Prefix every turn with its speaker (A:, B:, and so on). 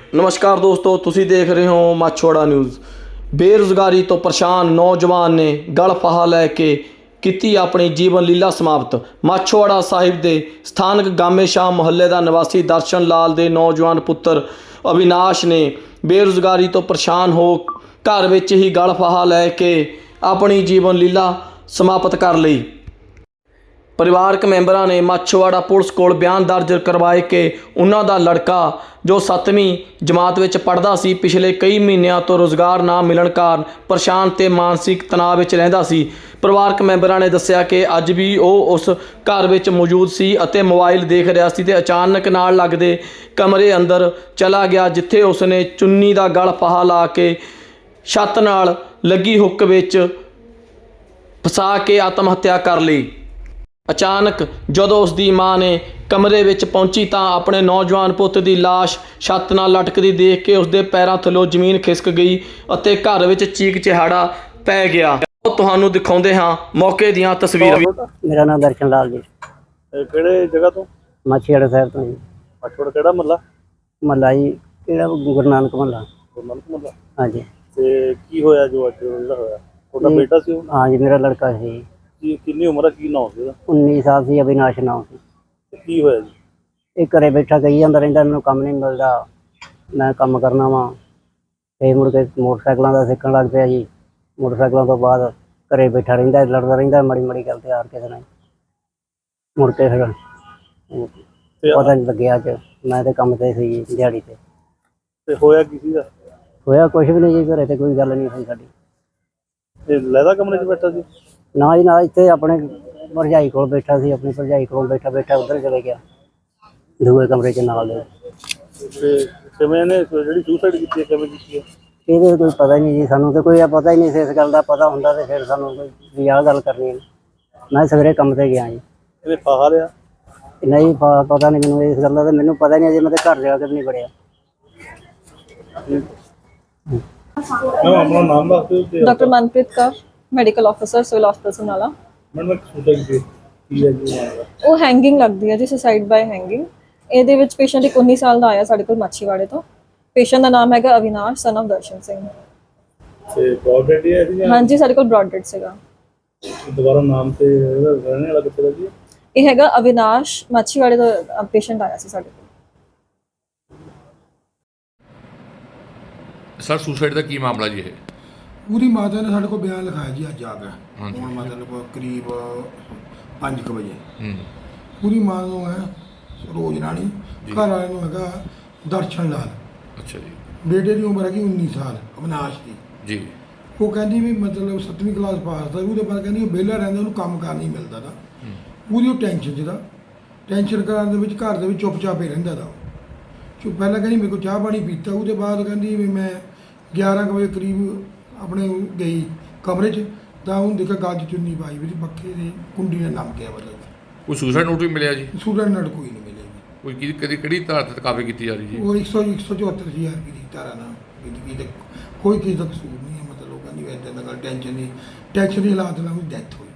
A: ਨਮਸਕਾਰ ਦੋਸਤੋ, ਤੁਸੀਂ ਦੇਖ ਰਹੇ ਹੋ ਮਾਛੋੜਾ ਨਿਊਜ਼। ਬੇਰੁਜ਼ਗਾਰੀ ਤੋਂ ਪਰੇਸ਼ਾਨ ਨੌਜਵਾਨ ਨੇ ਗਲ ਫਾਹਾ ਲੈ ਕੇ ਕੀਤੀ ਆਪਣੀ ਜੀਵਨ ਲੀਲਾ ਸਮਾਪਤ। ਮਾਛੋੜਾ ਸਾਹਿਬ ਦੇ ਸਥਾਨਕ ਗਾਮੇ ਸ਼ਾਹ ਮੁਹੱਲੇ ਦਾ ਨਿਵਾਸੀ ਦਰਸ਼ਨ ਲਾਲ ਦੇ ਨੌਜਵਾਨ ਪੁੱਤਰ ਅਵਿਨਾਸ਼ ਨੇ ਬੇਰੁਜ਼ਗਾਰੀ ਤੋਂ ਪਰੇਸ਼ਾਨ ਹੋ ਘਰ ਵਿੱਚ ਹੀ ਗਲ ਫਾਹਾ ਲੈ ਕੇ ਆਪਣੀ ਜੀਵਨ ਲੀਲਾ ਸਮਾਪਤ ਕਰ ਲਈ। ਪਰਿਵਾਰਕ ਮੈਂਬਰਾਂ ਨੇ ਮਾਛੋਵਾੜਾ ਪੁਲਿਸ ਕੋਲ ਬਿਆਨ ਦਰਜ ਕਰਵਾਏ ਕਿ ਉਹਨਾਂ ਦਾ ਲੜਕਾ ਜੋ 7ਵੀਂ ਜਮਾਤ ਵਿੱਚ ਪੜ੍ਹਦਾ ਸੀ, ਪਿਛਲੇ ਕਈ ਮਹੀਨਿਆਂ ਤੋਂ ਰੁਜ਼ਗਾਰ ਨਾ ਮਿਲਣ ਕਾਰਨ ਪਰੇਸ਼ਾਨ ਤੇ ਮਾਨਸਿਕ ਤਣਾਅ ਵਿੱਚ ਰਹਿੰਦਾ ਸੀ। ਪਰਿਵਾਰਕ ਮੈਂਬਰਾਂ ਨੇ ਦੱਸਿਆ ਕਿ ਅੱਜ ਵੀ ਉਹ ਉਸ ਘਰ ਵਿੱਚ ਮੌਜੂਦ ਸੀ ਅਤੇ ਮੋਬਾਈਲ ਦੇਖ ਰਿਹਾ ਸੀ ਤੇ ਅਚਾਨਕ ਨਾਲ ਲੱਗਦੇ ਕਮਰੇ ਅੰਦਰ ਚਲਾ ਗਿਆ, ਜਿੱਥੇ ਉਸਨੇ ਚੁੰਨੀ ਦਾ ਗਲ ਫਾਹਾ ਲਾ ਕੇ ਛੱਤ ਨਾਲ ਲੱਗੀ ਹੁੱਕ ਵਿੱਚ ਫਸਾ ਕੇ ਆਤਮ ਹੱਤਿਆ ਕਰ ਲਈ। ਅਚਾਨਕ ਜਦੋਂ ਉਸ ਦੀ ਮਾਂ ਨੇ ਕਮਰੇ ਵਿੱਚ ਪਹੁੰਚੀ ਤਾਂ ਆਪਣੇ ਨੌਜਵਾਨ ਪੁੱਤ ਦੀ ਲਾਸ਼ ਛੱਤ ਨਾਲ ਲਟਕਦੀ ਦੇਖ ਕੇ ਉਸ ਦੇ ਪੈਰਾਂ ਥੱਲੋਂ ਜ਼ਮੀਨ ਖਿਸਕ ਗਈ ਅਤੇ ਘਰ ਵਿੱਚ ਚੀਕ ਚਿਹਾੜਾ ਪੈ ਗਿਆ। ਉਹ ਤੁਹਾਨੂੰ ਦਿਖਾਉਂਦੇ ਹਾਂ ਮੌਕੇ ਦੀਆਂ ਤਸਵੀਰਾਂ।
B: ਮੇਰਾ ਨਾਮ ਦਰਸ਼ਨ ਲਾਲ ਜੀ।
C: ਕਿਹੜੇ ਜਗ੍ਹਾ ਤੋਂ?
B: ਮਾਛੀਵਾੜਾ ਸਾਹਿਬ ਤੋਂ ਜੀ।
C: ਮਾਛੋੜਾ ਕਿਹੜਾ ਮਹੱਲਾ?
B: ਮਹੱਲਾ ਜੀ ਕਿਹੜਾ ਗੁਰੂ ਨਾਨਕ ਮਹੱਲਾ।
C: ਗੁਰੂ ਨਾਨਕ ਮਹੱਲਾ।
B: ਹਾਂਜੀ।
C: ਤੇ ਕੀ ਹੋਇਆ ਜੋ ਅੱਜ ਜਿਹੜਾ ਹੋਇਆ? ਤੁਹਾਡਾ ਬੇਟਾ ਸੀ ਉਹ?
B: ਹਾਂਜੀ, ਮੇਰਾ ਲੜਕਾ ਸੀ।
C: ਕੀ ਕਿੰਨੀ ਉਮਰ ਹੈ, ਕੀ ਨਾਮ ਸੀ ਉਹਦਾ?
B: 19 ਸਾਲ ਸੀ, ਅਵਿਨਾਸ਼ ਨਾਮ ਸੀ।
C: ਤੇ ਕੀ ਹੋਇਆ ਜੀ?
B: ਇਹ ਘਰੇ ਬੈਠਾ ਕਹੀ ਜਾਂਦਾ ਰਹਿੰਦਾ ਮੈਨੂੰ ਕੰਮ ਨਹੀਂ ਮਿਲਦਾ, ਮੈਂ ਕੰਮ ਕਰਨਾ ਵਾ। ਤੇ ਮੁੜ ਕੇ ਮੋਟਰਸਾਈਕਲਾਂ ਦਾ ਸਿੱਖਣ ਲੱਗ ਪਿਆ ਜੀ। ਮੋਟਰਸਾਈਕਲਾਂ ਤੋਂ ਬਾਅਦ ਘਰੇ ਬੈਠਾ ਰਹਿੰਦਾ, ਲੜਦਾ ਰਹਿੰਦਾ ਮਾੜੀ ਮਾੜੀ ਗੱਲ ਤੇ ਹਾਰ ਕਿਸੇ ਨਾਲ। ਮੁੜ ਕੇ ਫਿਰ ਪਤਾ ਨਹੀਂ ਲੱਗਿਆ ਅੱਜ ਮੈਂ ਤੇ ਕੰਮ ਤੇ ਸੀ ਦਿਹਾੜੀ ਤੇ।
C: ਤੇ ਹੋਇਆ ਕੀ ਸੀਗਾ?
B: ਹੋਇਆ ਕੁਛ ਵੀ ਨਹੀਂ ਜੀ, ਘਰੇ ਤੇ ਕੋਈ ਗੱਲ ਨਹੀਂ ਹੋਈ ਸਾਡੀ।
C: ਇਹ ਲਹਿਦਾ ਕਮਰੇ 'ਚ ਬੈਠਾ ਸੀ?
B: ਨਾ ਜੀ ਨਾ, ਇੱਥੇ ਆਪਣੇ ਭਰਜਾਈ ਕੋਲ ਬੈਠਾ ਸੀ। ਆਪਣੀ ਭਰਜਾਈ ਕੋਲ ਬੈਠਾ ਉੱਧਰ ਚਲੇ ਗਿਆ ਦੂਏ ਕਮਰੇ 'ਚ ਨਾਲ ਦੇ।
C: ਤੇ ਕਿਵੇਂ ਨੇ ਜਿਹੜੀ ਸੁਸਾਈਡ ਕੀਤੀ ਹੈ ਕਿਵੇਂ ਕੀਤੀ ਹੈ?
B: ਇਹਦੇ ਕੋਈ ਪਤਾ ਹੀ ਨਹੀਂ ਜੀ, ਸਾਨੂੰ ਤਾਂ ਕੋਈ ਪਤਾ ਹੀ ਨਹੀਂ ਸੀ ਇਸ ਗੱਲ ਦਾ। ਪਤਾ ਹੁੰਦਾ ਤੇ ਫਿਰ ਸਾਨੂੰ ਵੀ ਆਹ ਗੱਲ ਕਰਨੀ। ਮੈਂ ਸਵੇਰੇ ਕੰਮ ਤੇ ਗਿਆ ਜੀ।
C: ਇਹਨੇ ਫਾਹਾ ਲਿਆ?
B: ਨਹੀਂ ਪਤਾ ਨਹੀਂ ਮੈਨੂੰ ਇਸ ਗੱਲ ਦਾ, ਤੇ ਮੈਨੂੰ ਪਤਾ ਹੀ ਨਹੀਂ ਅਜੇ ਮੈਂ ਤਾਂ ਘਰ ਜਾ ਕੇ ਵੀ ਨਹੀਂ ਵੜਿਆ।
C: ਆਪਣਾ ਨਾਮ ਦੱਸ ਦਿਓ।
D: Doctor Manpreet Kaur, medical officer, civil ਹਸਪਤਾਲ ਸਮਰਾਲਾ।
C: ਮੈਨੂੰ ਸੁਸਾਈਡ ਕੀ ਹੈ ਜੀ?
D: ਉਹ ਹੈਂਗਿੰਗ ਲੱਗਦੀ ਹੈ ਜੀ, ਸੁਸਾਈਡ ਬਾਏ ਹੈਂਗਿੰਗ। ਇਹਦੇ ਵਿੱਚ ਪੇਸ਼ੈਂਟ ਇੱਕ 19 ਸਾਲ ਦਾ ਆਇਆ ਸਾਡੇ ਕੋਲ ਮਾਛੀਵਾੜੇ ਤੋਂ। ਪੇਸ਼ੈਂਟ ਦਾ ਨਾਮ ਹੈਗਾ ਅਵਿਨਾਸ਼ ਸਨ ਆਫ ਦਰਸ਼ਨ ਸਿੰਘ।
C: ਤੇ ਬ੍ਰੌਡ ਡੈਡ ਹੈ ਜੀ?
D: ਹਾਂਜੀ, ਸਾਡੇ ਕੋਲ ਬ੍ਰੌਡ ਡੈਡ ਸੀਗਾ।
C: ਦੁਬਾਰਾ ਨਾਮ ਤੇ ਰਹਿਣੇ ਵਾਲਾ ਕਿੱਥੇ ਦਾ ਜੀ?
D: ਇਹ ਹੈਗਾ ਅਵਿਨਾਸ਼, ਮਾਛੀਵਾੜੇ ਦਾ ਪੇਸ਼ੈਂਟ ਆਇਆ ਸੀ ਸਾਡੇ ਕੋਲ।
E: ਸਰ ਸੁਸਾਈਡ ਦਾ ਕੀ ਮਾਮਲਾ ਜੀ? ਇਹ
F: ਪੂਰੀ ਮਾਤਾ ਨੇ ਸਾਡੇ ਕੋਲ ਬਿਆਨ ਲਿਖਾਇਆ ਜੀ ਅੱਜ ਆ ਕੇ। ਹੁਣ ਮਤਲਬ ਕਰੀਬ 5 ਵਜੇ। ਪੂਰੀ ਮਾਂ ਨੂੰ ਹੈ ਰੋਜ਼ ਰਾਣੀ, ਘਰ ਵਾਲੇ ਨੂੰ ਹੈਗਾ ਦਰਸ਼ਨ ਲਾਲ।
E: ਅੱਛਾ ਜੀ।
F: ਬੇਟੇ ਦੀ ਉਮਰ ਹੈਗੀ 19 ਸਾਲ ਅਵਿਨਾਸ਼ ਦੀ
E: ਜੀ।
F: ਉਹ ਕਹਿੰਦੀ ਵੀ ਮਤਲਬ 7ਵੀਂ ਕਲਾਸ ਪਾਸ ਦਾ, ਉਹਦੇ ਬਾਅਦ ਕਹਿੰਦੀ ਵਿਹਲਾ ਰਹਿੰਦਾ, ਉਹਨੂੰ ਕੰਮ ਕਾਰ ਨਹੀਂ ਮਿਲਦਾ ਦਾ। ਪੂਰੀ ਉਹ ਟੈਨਸ਼ਨ 'ਚ ਦਾ, ਟੈਨਸ਼ਨ ਕਰਨ ਦੇ ਵਿੱਚ ਘਰ ਦੇ ਵਿੱਚ ਚੁੱਪ ਹੀ ਰਹਿੰਦਾ ਦਾ। ਪਹਿਲਾਂ ਕਹਿੰਦੀ ਮੇਰੇ ਕੋਲ ਚਾਹ ਪਾਣੀ ਪੀਤਾ, ਉਹਦੇ ਬਾਅਦ ਕਹਿੰਦੀ ਵੀ ਮੈਂ 11 ਵਜੇ ਕਰੀਬ ਆਪਣੇ ਗਈ ਕਮਰੇ 'ਚ ਤਾਂ ਉਹਨੂੰ ਦੇਖਿਆ ਗੱਜ ਚੁੰਨੀ ਪਾਈ ਵੀ ਪੱਖੇ ਦੀ ਕੁੰਡੀ ਨਾਲ ਲੰਘ ਗਿਆ। ਮਤਲਬ
E: ਕੋਈ ਸੁਸਾਈਡ ਨੋਟ ਵੀ ਮਿਲਿਆ ਜੀ?
F: ਸੂਰਜ ਨਾਲ ਕੋਈ ਨਹੀਂ ਮਿਲਿਆ ਜੀ।
E: ਕੋਈ ਕਿਹੜੀ ਧਾਰਾ ਤੇ ਕਾਰਵਾਈ ਕੀਤੀ ਜਾ ਰਹੀ ਜੀ?
F: ਉਹ 174 ਹਜ਼ਾਰ ਰੁਪਏ ਦੀ ਧਾਰਾ ਨਾਲ ਕੋਈ ਕਿਸੇ ਦਾ ਕਸੂਰ ਨਹੀਂ ਹੈ। ਮਤਲਬ ਉਹ ਕਹਿੰਦੀ ਇੱਦਾਂ ਦਾ ਗੱਲ ਟੈਨਸ਼ਨ ਦੀ ਹਾਲਾਤ ਨਾਲ ਉਹਦੀ ਡੈਥ ਹੋਈ।